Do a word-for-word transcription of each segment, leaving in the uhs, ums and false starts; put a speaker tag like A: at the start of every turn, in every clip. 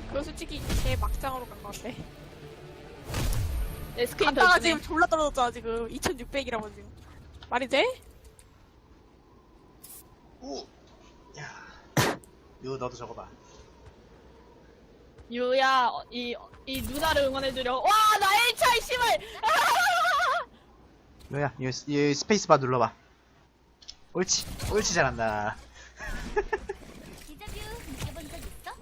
A: 그거 솔직히 제 막장으로 간 건데.
B: 내 스크린
A: 갔다가
B: 더
A: 지금 졸라 떨어졌잖아 지금. 이천육백이라고 지금. 말이 돼?
C: 오! 야. 유, 너도 적어봐.
B: 유야, 어, 이, 이 누나를 응원해주려. 와, 나 일 차, 씨발!
C: 유야, 이, 이 스페이스바 눌러봐. 옳지. 옳지, 잘한다.
D: 디자뷰 느껴본 적 있어?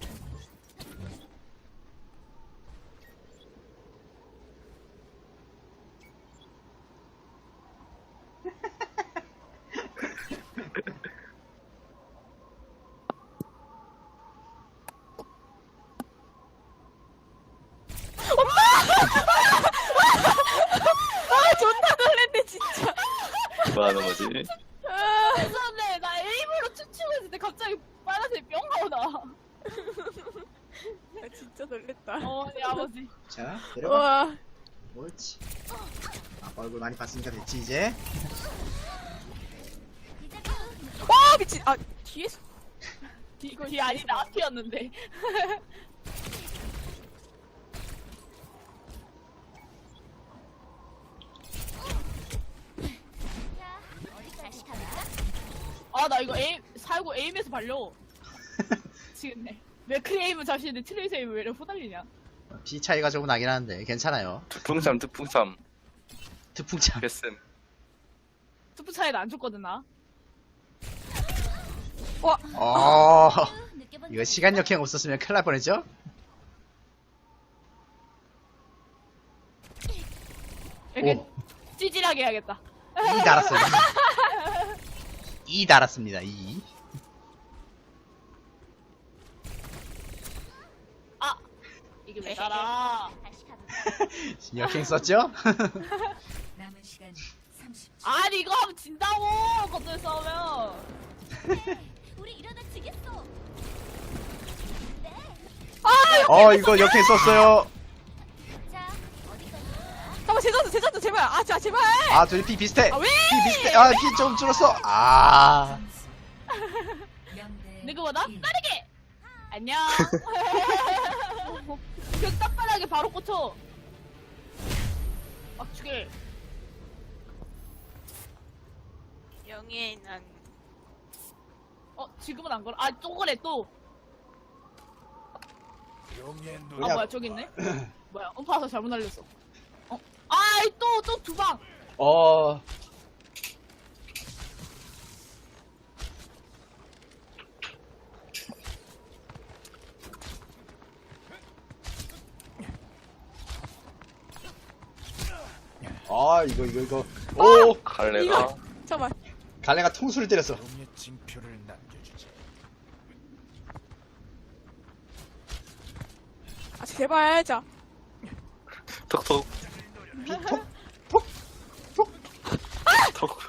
A: 아 존나 놀랬네 진짜.
E: 뭐 하는 거지?
B: 죄송한데, 나 에임으로 춤추고 있는데 갑자기 빨간색 뿅 나오나.
A: 아, 진짜 놀랬다.
B: 어, 내 아버지.
C: 자, 내려봐.
A: 우와.
C: 옳지. 아, 얼굴 많이 봤으니까 됐지, 이제.
D: 디자뷰
A: 와 미친. 아 뒤에서.
B: 이거 뒤 아니다, 앞이었는데.
D: 자, 어디 다시 가볼까?
B: 아, 나 이거 에임, 살고 에임에서 발려. 미치겠네. 맥크 에임은 자신인데 트레이스 에임은 왜 이렇게 후달리냐.
C: 비 차이가 조금 나긴 하는데, 괜찮아요.
E: 특풍삼 특풍삼
C: 특풍참.
E: 패슨.
B: 투프 차이도 안 줬거든, 나.
C: 어,
D: 느껴본
C: 이거
D: 적
C: 시간
D: 있어?
C: 역행 없었으면 큰일 날 뻔했죠?
B: 이렇게
C: 오.
B: 찌질하게 해야겠다.
C: 이 달았어요. 이 달았습니다, 이.
B: 아! 이게 왜 따라.
D: 다시 가볼까?
C: 역행 썼죠?
F: 남은 시간 삼십 초.
B: 아니, 이거 하면 진다고! 겉들 싸우면.
D: 네, 우리 이러다 지겠어. 네.
C: 어, 이거 역행 썼어요.
D: 자, 어디까지 갈까?
A: 잠깐만 제자도 제자도 제발. 아 자 제발.
C: 아, 둘이 피 비슷해.
A: 아 왜?
C: 피 비슷해. 아, 피 좀 줄었어. 아.
F: 영대
B: 누구보다 빠르게! 안녕. 벽 딱바닥에 바로 꽂혀. 막 죽일.
A: 영예 난.
B: 어, 지금은 안 걸어. 아, 또 그래, 또. 아,
C: 그냥-
B: 뭐야, 저기 있네? 뭐야, 음파서 잘못 날렸어. 어? 아이, 또, 또 두 방!
C: 어. 아, 이거, 이거, 이거. 오!
E: 갈래가
A: 이거. 잠깐만.
C: 갈래가 통수를 때렸어.
G: 용의 징표를 남겨주지.
A: 아 제발 자.
E: 톡톡
C: 톡! 톡!
E: 톡.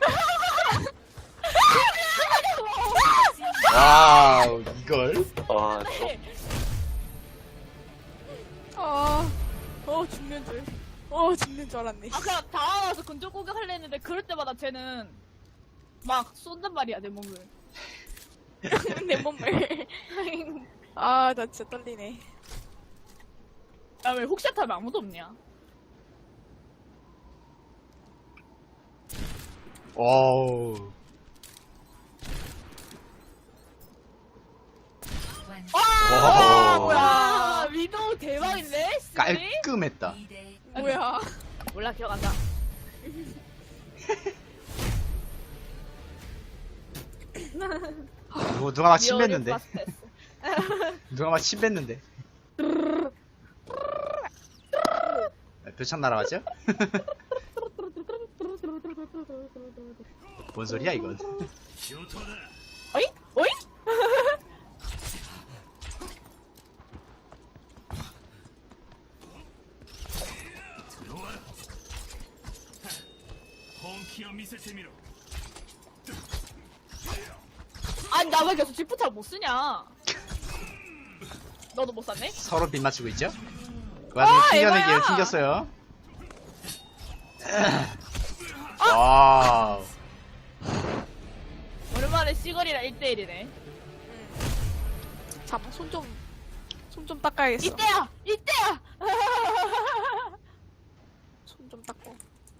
C: 와우, 이걸.
E: 아,
A: 아. 어 죽는 줄. 어 죽는 줄 알았네.
B: 아, 그냥 다와서 근접 공격하려 했는데, 그럴 때마다 쟤는 막 쏜단 말이야, 내 몸을.
A: 내 몸을. 아 나 진짜 떨리네.
B: 야, 왜 혹시 타면 아무도 없냐?
C: 와우.
B: 와,
C: 와.
B: 뭐야. 위도우 대박인데? 스리?
C: 깔끔했다.
F: 이 대
A: 뭐야.
B: 몰라, 기억한다.
C: 누구, 누가 막 침 뱉는데?
B: 파스테스.
C: 누가 막 침 뱉는데? 표창 날아가죠? 뭔 소리야, 이건?
B: 어이? 어이? 아니, 나 왜 계속 지프탑 못 쓰냐? 너도 못 샀네?
C: 서로 빗 맞추고 있죠? 그 와중에
A: 아,
C: 튕겨내기를
A: 에바야!
C: 튕겼어요. 와우.
B: 오랜만에 시거리랑 일 대일이네.
A: 잠깐 손 좀. 손 좀 닦아야겠어.
B: 이때야! 이때야!
A: 손 좀 닦고.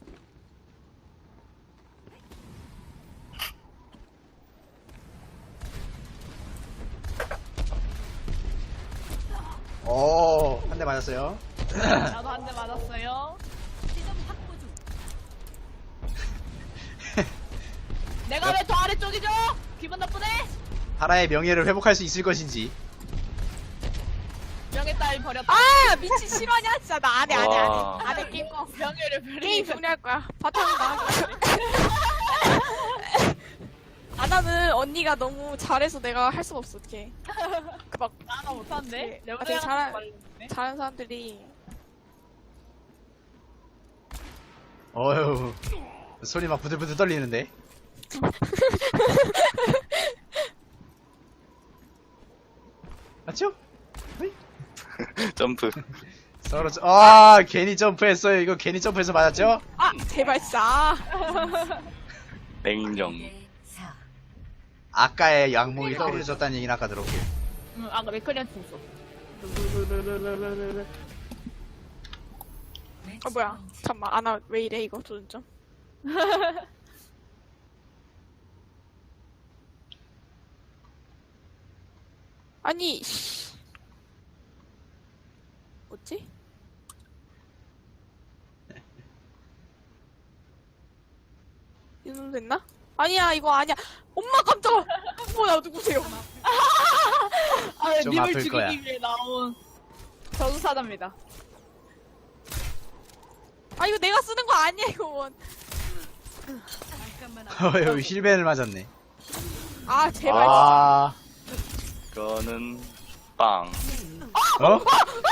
C: 오, 한 대 맞았어요.
B: 나도 한 대 맞았어요.
D: 지점 확보 중.
B: 내가 왜 더 아래쪽이죠? 기분 나쁘네?
C: 하라의 명예를 회복할 수 있을 것인지.
B: 명예 따위 버렸다.
A: 아 미친 실화냐 진짜 나 안해 안해
E: 와.
A: 안해 안해 게임 꺼.
B: 명예를
A: 게임
B: 버리니까.
A: 정리할 거야. 바탕은 나. 아나는 언니가 너무 잘해서 내가 할 수가 없어. 어떡해. 그막
B: 나나 못하는데?
A: 네.
B: 내가
A: 아, 되게 잘하-
B: 말렸네.
A: 잘하는 사람들이
C: 어휴, 손이 막 부들부들 떨리는데. 맞죠? 어이?
E: 점프.
C: 서로, 저- 아, 괜히 점프했어요. 이거 괜히 점프해서 맞았죠?
A: 아 제발 진짜.
E: 냉정.
F: 대 사.
C: 아까의 양목이 떨어졌다는 얘기는 아까 들었고요.
B: 응, 아까 맥커리한테 했어.
A: 아 뭐야? 잠만 아나 왜 이래 이거 도전점. 아니 씨. 뭐지? 이 정도 됐나? 아니야 이거 아니야. 엄마 깜짝아. 뭐야 누구세요?
B: 아,
C: 좀
B: 님을
C: 아플
B: 죽이기
C: 거야.
B: 위해 나온 저주사자입니다.
A: 아 이거 내가 쓰는 거 아니야 이거 원.
C: 어휴, 힐벤을 맞았네.
A: 아 제발.
C: 아,
E: 이거는 빵.
C: 어?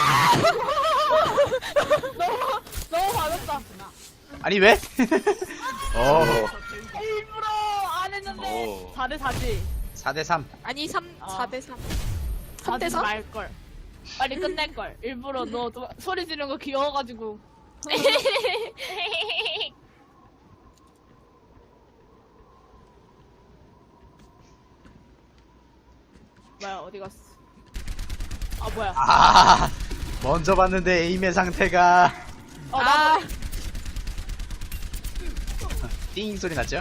B: 너무 받았다.
C: 아니, 왜? 어,
B: 일부러 안 했는데
E: 오.
B: 사 대 사지.
C: 사 대 삼.
A: 아니 삼
B: 아.
A: 사 대 삼. 삼 대
B: 하지
A: 삼?
B: 말걸. 빨리 끝낼걸. 일부러 너 도- 소리 지르는 거 귀여워가지고. 뭐야, 어디 갔어? 아, 뭐야.
C: 아, 먼저 봤는데 에임의 상태가
B: 어, 나,
A: 아.
C: 띵 소리 났죠?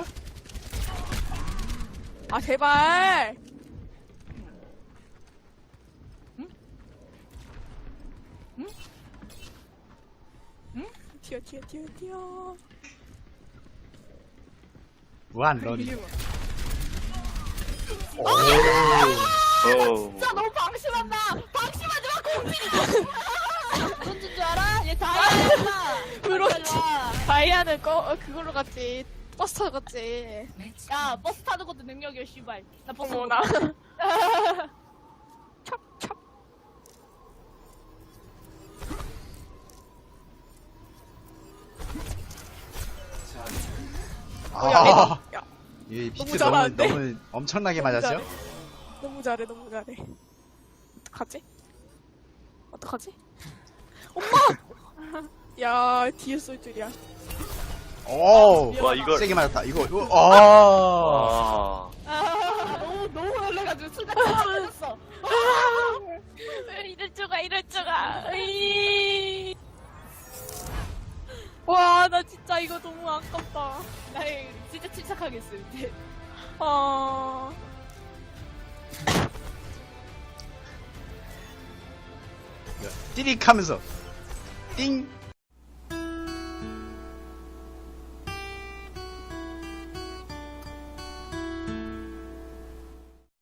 A: 아 제발. 튀어 튀어 튀어 튀어.
C: 무한 러닝. 오,
E: 오.
B: 진짜 너무 방심한다! 방심하지 마, 공진이! 뭔 줄 알아? 얘 다이아야!
A: 그렇지. 다이아는 꺼 어, 그걸로 갔지. 버스 타고 갔지.
F: 매치
B: 야, 버스 타는 것도 능력이야, 씨발. 나 버스 못
A: 어머나.
B: 타.
A: 찹찹. 어, 야,
C: 아,
A: 애들- 야,
C: 이 비트
A: 너무
C: 너무,
A: 잘하는데?
C: 너무 엄청나게
A: 너무
C: 맞았죠?
A: 잘해. 너무 잘해 너무 잘해. 어떡하지? 어떡하지? 엄마! 야 뒤에 쏠 줄이야.
C: 오,
E: 와, 이걸.
C: 세게 맞았다. 이거, 이거, 아,
E: 와.
B: 아, 너무, 너무 놀래가지고 순간 깜짝했어.
A: 이럴 줄가 이럴 줄가. 으이. 와, 나 진짜 이거 너무 아깝다.
B: 나 이거 진짜 침착하게 했어, 이제.
A: 어.
C: 띠릭 하면서 띵